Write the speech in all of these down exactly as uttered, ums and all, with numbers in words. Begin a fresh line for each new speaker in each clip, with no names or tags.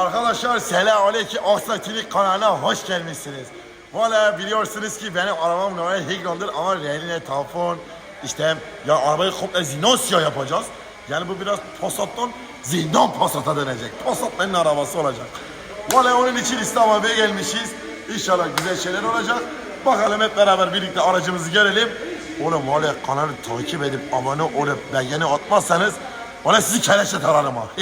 Arkadaşlar selamünaleyküm Aksakilik kanalına hoş gelmişsiniz. Valla biliyorsunuz ki benim arabam normal Higron'dur ama reline tampon işte ya arabayı komple Zinosya yapacağız. Yani bu biraz Passat'tan Zindan Passat'a dönecek. Passat benim arabası olacak. Valla onun için İstanbul'a gelmişiz. İnşallah güzel şeyler olacak. Bakalım hep beraber birlikte aracımızı görelim. Oğlum valla kanalı takip edip abone olup beğeni atmazsanız valla sizi keleşe tararım ha.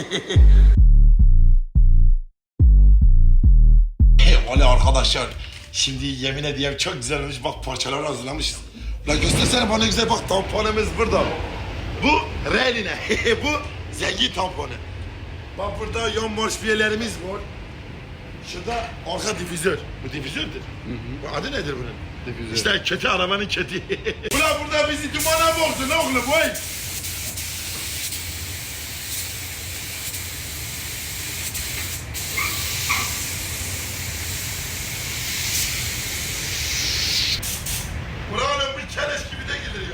Valla arkadaşlar şimdi yemin ediyorum çok güzel olmuş, bak parçalar hazırlamışız. Ulan göstersene bana güzel, bak tamponumuz burada. Bu reline, bu zengin tamponu. Bak burada yan marşpiyelerimiz var. Şurada arka difüzör. Bu difüzördür. Hı hı. Bu adı nedir bunun? Difüzör. İşte kötü arabanın kötü. Ulan burada bizi dumana bozdun oğlum vay. Ulan bir keleş gibi de gelir ya.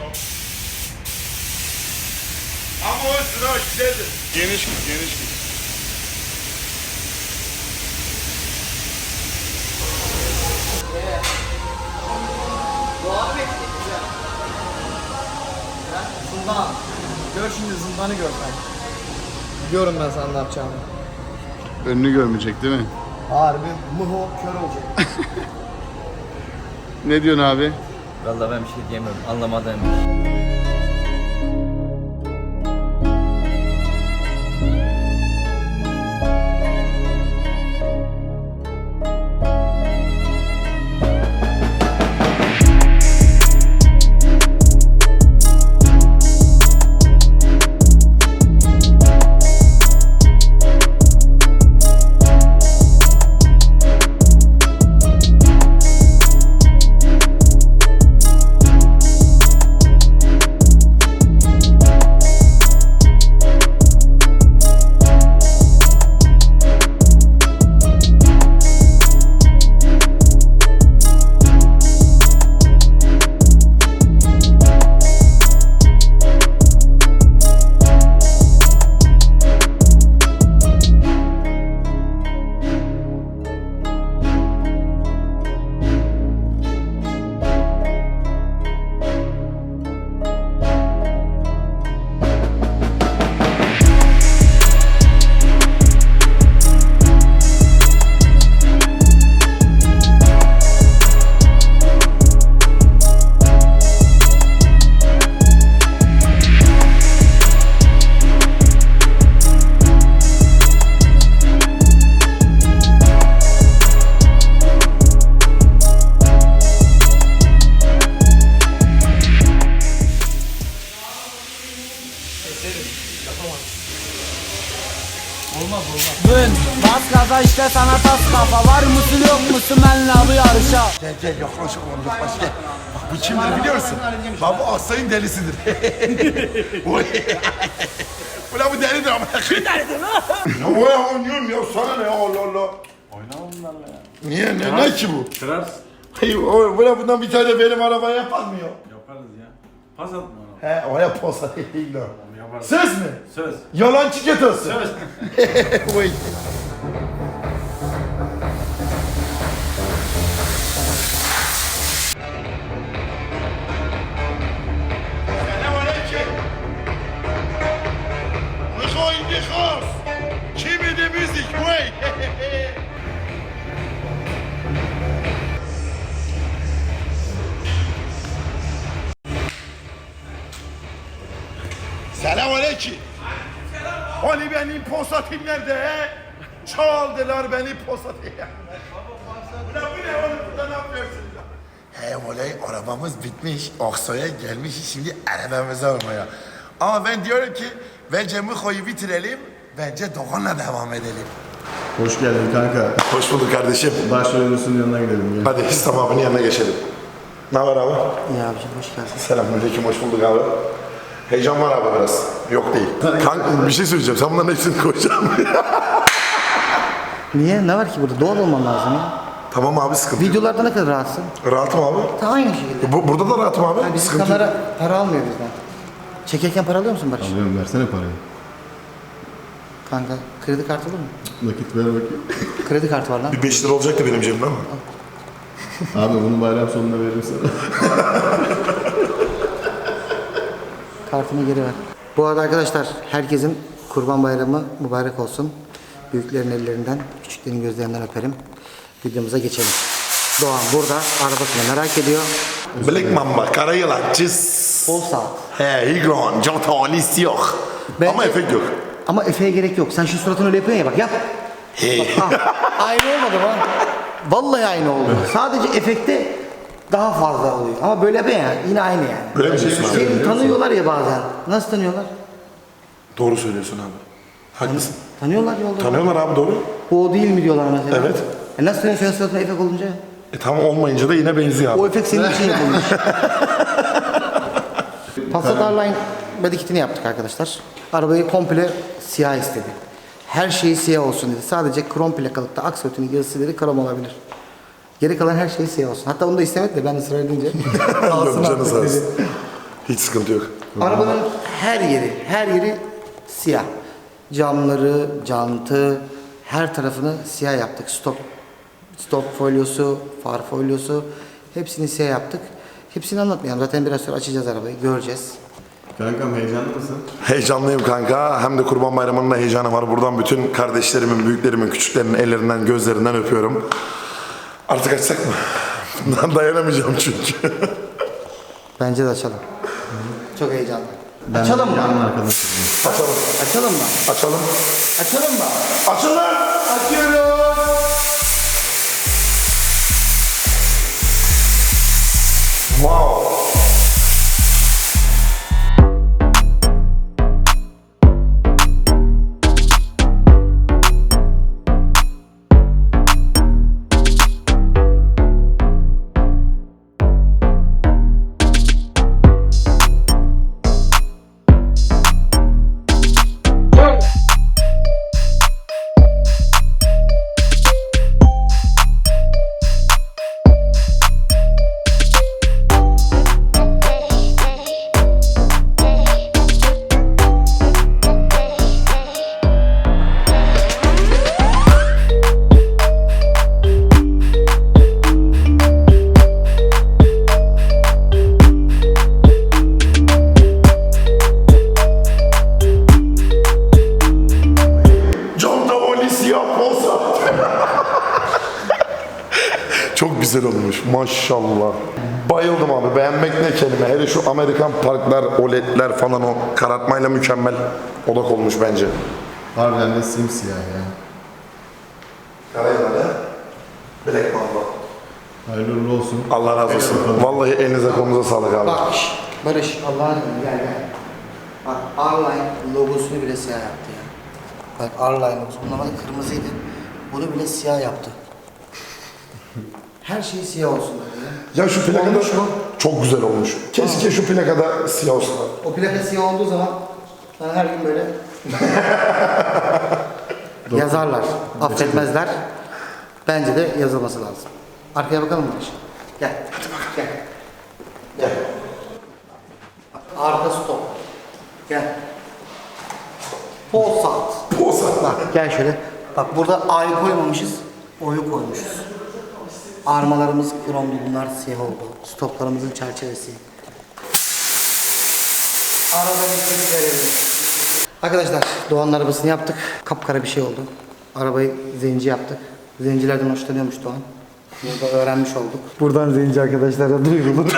Ama o sıra güzeldir.
Geniş git, geniş git.
Zından. Gör şimdi zındanı gör sen. Biliyorum ben sana ne yapacağımı.
Önünü görmeyecek değil mi?
Harbi mıho kör olacak.
Ne diyorsun abi?
Vallahi ben bir şey diyemiyorum. Anlamadım.
Bugün bas gaza işte sana tas kafa. Var mısın yok musun benle bu yarışa.
Gel gel yaklaş oğlum yaklaş gel. Bak bu kimdir biliyorsun? Bak bu Aksay'ın delisidir. Oy. Ulan bu delidir ama. Kim delidir lan? Ya oya oynuyorum ya, sana ne ya, Allah Allah.
Oynama bunlarla ya.
Niye ne, ne ki bu?
Kırarsın.
Hayır o böyle bundan bir tane benim arabaya yapamıyor.
Yaparız ya. Pas atma ona.
He oya posa değil lan.
Yaparız.
Söz mü?
Söz.
Yalancı ketası.
Söz.
Oy. Selamünaleyküm. Mikhail Nikhas. Kimi de müzik vay. Selamünaleyküm. Hani benim posatim nerede he? Çaldılar beni posatı. Ulan bu ne oğlum, burada ne yapıyorsunuz lan? He olay, arabamız bitmiş. Aksa'ya gelmişiz şimdi arabamızı almaya. Ama ben diyorum ki bence Mıko'yu bitirelim. Bence Doğan'la devam edelim.
Hoş geldin kanka.
Hoş bulduk kardeşim.
Başrolünün yanına gidelim ya.
Hadi İslam abinin yanına geçelim. Ne var abi?
İyi abicim hoş geldin.
Selamünaleyküm, hoş bulduk abi. Heyecan var abi biraz. Yok değil. Kanka bir şey söyleyeceğim. Sen bunların hepsini koyacaksın.
Niye? Ne var ki burada? Doğal olman lazım ya.
Tamam abi, sıkıntı yok.
Videolarda ne kadar rahatsın?
Rahatım abi.
Ta aynı şekilde.
Bu, burada da rahatım abi.
Yani bizim
Sıkıntı yok.
kamera para almıyor bizden. Çekerken para alıyor musun Barış?
Alıyorum, versene parayı.
Kanka kredi kartı olur mu?
Nakit ver bakayım.
Kredi kartı var lan.
Bir beş lira olacaktı benim cebimde ama.
Abi bunu bayram sonunda veririm sana.
Kartını geri ver. Bu arada arkadaşlar herkesin Kurban Bayramı mübarek olsun. Büyüklerin ellerinden, küçüklerin gözlerinden öperim. Videomuza geçelim. Doğan burada arabasını merak ediyor.
Black Mamba, kara yılan, çiz.
Bol saat.
He, Higron, John Talis yok.
Bence-
Ama efekt yok.
Ama Efe'ye gerek yok. Sen şu suratını öyle yapıyorsun ya bak yap.
Hey.
Ah, aynı olmadı mı? Vallahi aynı oldu. Sadece efekte daha fazla oluyor. Ama böyle yapıyorsun ya yine aynı yani.
Öyle mi diyorsun abi?
Seni tanıyorlar ya bazen. Nasıl tanıyorlar?
Doğru söylüyorsun abi. Haklısın.
Tanıyorlar yolda.
Tanıyorlar abi doğru.
Bu o değil mi diyorlar mesela.
Evet.
E nasıl tanıyorsun senin suratına efekt olunca?
E tamam olmayınca da yine benziyor abi.
O efekt senin için yapılmış. Passat R-Line body kitini yaptık arkadaşlar. Arabayı komple siyah istedi. Her şeyi siyah olsun dedi. Sadece krom plakalıkta aksolotinin yazısı dedi krom olabilir. Geri kalan her şey siyah olsun. Hatta onu da istemedi de ben ısrar edince.
Yok, canı
artık
sağ olsun.
dedi.
Hiç sıkıntı yok.
Arabanın her yeri, her yeri siyah. Camları, jantı, her tarafını siyah yaptık. Stop, stop folyosu, far folyosu, hepsini siyah yaptık. Hepsini anlatmayalım. Zaten biraz sonra açacağız arabayı, göreceğiz.
Kankam heyecanlı mısın?
Heyecanlıyım kanka. Hem de Kurban Bayramı'nın da heyecanı var. Buradan bütün kardeşlerimin, büyüklerimin, küçüklerimin ellerinden, gözlerinden öpüyorum. Artık açsak mı? Dayanamayacağım çünkü.
Bence de açalım. Çok heyecanlı. Açalım mı?
Yanın arkadaşım.
Açalım.
Açalım mı?
Açalım.
Açalım mı?
Açalım.
Açıyorum.
Wow. John Talis yapmasa. Çok güzel olmuş maşallah. Bayıldım abi, beğenmek ne kelime. Hele şu Amerikan parklar, O L E D'ler falan o karartmayla mükemmel odak olmuş bence.
Harbiden de simsiyah ya.
Karayılan'a Black Mamba.
Hayırlı uğurlu olsun.
Allah razı olsun. Vallahi elinize kolunuza sağlık abi.
Bak şş, Barış Allah'ın izniyle gel gel. Bak R-Line logosunu bile siyah yaptı ya. Bak R-Line logosu. Normalde kırmızıydı. Bunu bile siyah yaptı. Her şey siyah olsun dedi ya.
Ya şu plakada
Olmuş mu?
çok güzel olmuş. Keşke şu plakada siyah olsun.
O plaka siyah olduğu zaman ben her gün böyle yazarlar. Affetmezler. Bence de yazılması lazım. Arkaya bakalım mı Barış? Gel. Hadi bakalım. Gel. Gel. Arka stop. Gel. Pol saat.
Posa.
Bak gel şöyle. Bak burada A'yı koymamışız. O'yu koymuşuz. Armalarımız kromdu. Bunlar siyah oldu. Stoplarımızın çerçevesi. Arada bir şey verelim. Arkadaşlar Doğan'ın arabasını yaptık. Kapkara bir şey oldu. Arabayı zenci yaptık. Zencilerden hoşlanıyormuş Doğan. Burada öğrenmiş olduk. Buradan zenci arkadaşlara duyurulur.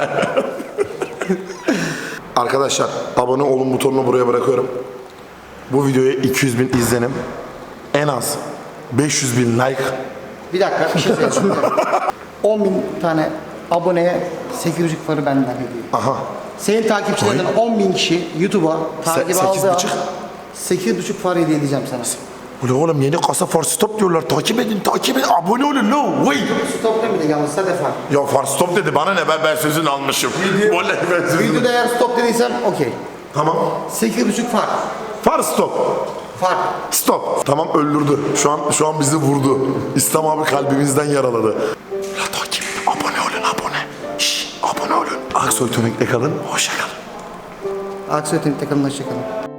Arkadaşlar abone olun butonunu buraya bırakıyorum. Bu videoya iki yüz bin izlenim. En az beş yüz bin like.
Bir dakika bir şey söyleyeceğim. on bin tane aboneye sekiz buçuk farı benden hediye.
Aha.
Senin takipçilerden on bin kişi YouTube'a takip
Se- sekiz
aldığı
buçuk.
an sekiz buçuk far hediye edeceğim sana.
Ulan oğlum yeni kasa far stop diyorlar. Takip edin, takip edin. Abone olun. No way.
Stop demedi yalnız sadece far.
Ya far stop dedi. Bana ne? Ben, ben sözünü almışım. Vallahi ben sözünü.
Videoda eğer stop dediysen okey.
Tamam.
sekiz buçuk far.
Far stop.
Far.
Stop. Tamam öldürdü. Şu an şu an bizi vurdu. İslam abi kalbimizden yaraladı. Ya takip. Abone olun abone. Şşş abone olun. Aksoy Tönük'te kalın. Hoşça kalın.
Aksoy Teknik takımına hoşçakalın.